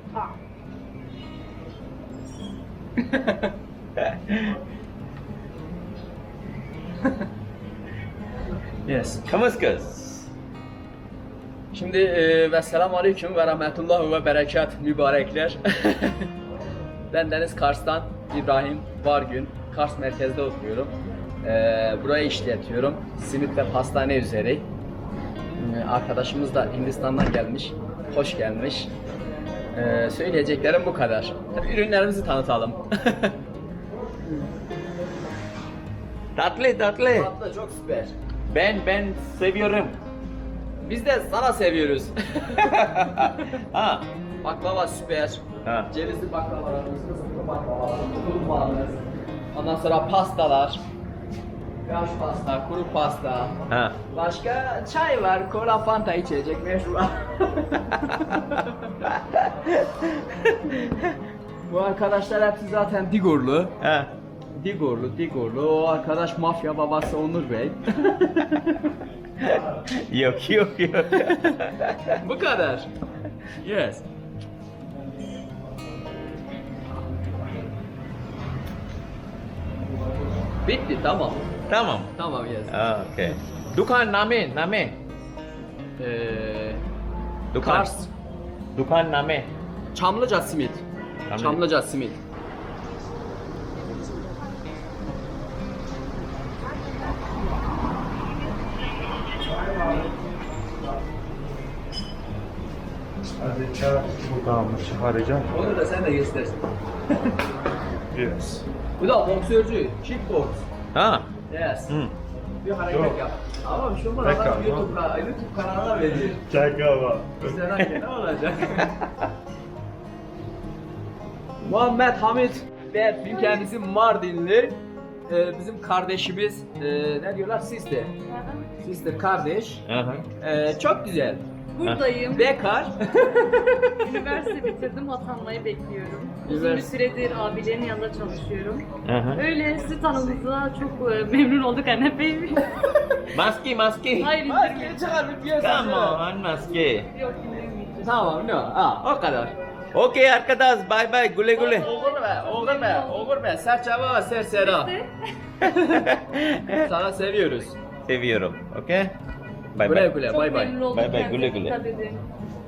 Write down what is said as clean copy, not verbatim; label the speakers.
Speaker 1: Ha.
Speaker 2: Yes.
Speaker 3: Kamuskas.
Speaker 2: Şimdi ve selamun aleyküm ve rahmetullah ve berekat mübarekler. Ben Deniz Kars'tan İbrahim Vargün. Kars merkezde oturuyorum. Burayı işletiyorum. Simit ve pastane üzeri. Arkadaşımız da Hindistan'dan gelmiş. Hoş gelmiş. Söyleyeceklerim bu kadar. Tabii ürünlerimizi tanıtalım.
Speaker 3: Tatlı.
Speaker 2: Tatlı çok süper.
Speaker 3: Ben seviyorum.
Speaker 2: Biz de sana seviyoruz.
Speaker 3: Ha.
Speaker 2: Baklava süper.
Speaker 3: Ha.
Speaker 2: Cevizli baklavalarımız, fıstıklı baklavalarımız, kurbanımız. Ondan sonra pastalar. Yaş pasta, kuru pasta.
Speaker 3: Ha.
Speaker 2: Başka çay var, kola, fanta içecek meşrubat. Bu arkadaşlar hepsi zaten Digorlu.
Speaker 3: Ha.
Speaker 2: Digorlu. O arkadaş mafya babası Onur Bey.
Speaker 3: Yok.
Speaker 2: Bu kadar. Yes. Bitti, tamam.
Speaker 3: Tamam.
Speaker 2: Tamam, yes.
Speaker 3: Okay. Dukan name. Dukan.
Speaker 2: Kars,
Speaker 3: Dukan name.
Speaker 2: Çamlıca simit. Çamlıca simit.
Speaker 4: Hadi çağır. Buradan mı çıkaracağım?
Speaker 2: Onu da sen de göstersin.
Speaker 4: Yes.
Speaker 2: Bu da boksörcü, kickbox.
Speaker 3: Ha.
Speaker 2: Yes.
Speaker 3: Hı.
Speaker 2: Bir hareket
Speaker 4: Yok.
Speaker 2: yap. Ama şu
Speaker 4: Tekrar,
Speaker 2: adam YouTube kanalına veriyor.
Speaker 4: Çakala.
Speaker 2: İzlerken ne olacak? Muhammed Hamit ve kendisi Mardinli. Bizim kardeşimiz, ne diyorlar? Sister kardeş.
Speaker 3: Aha.
Speaker 2: Çok güzel.
Speaker 1: Buradayım.
Speaker 2: Bekar.
Speaker 1: Üniversite bitirdim. Atanmayı bekliyorum. Uzun bir
Speaker 2: Üniversite.
Speaker 1: süredir abilerin yanında çalışıyorum.
Speaker 3: Aha.
Speaker 1: Öyle sizi tanıdığınızda çok memnun olduk anne bey.
Speaker 3: Maske.
Speaker 1: Hayır
Speaker 2: Maskeyi
Speaker 1: indirmeyin.
Speaker 2: çıkar bir piyasa.
Speaker 3: Come on, maske.
Speaker 1: Yok indirmeyeceğim.
Speaker 2: Tamam, no. O kadar.
Speaker 3: Okay arkadaş, bye. Güle güle.
Speaker 2: Olur be. Serçaba ve sersera. Sana seviyoruz.
Speaker 3: Seviyorum. Okay? Bye
Speaker 2: Güle
Speaker 3: bye.
Speaker 2: güle,
Speaker 1: Çok
Speaker 2: bay bay.
Speaker 1: memnun oldum.
Speaker 3: Bay bay,
Speaker 1: Kendinize
Speaker 3: güle güle.
Speaker 1: dikkat edin.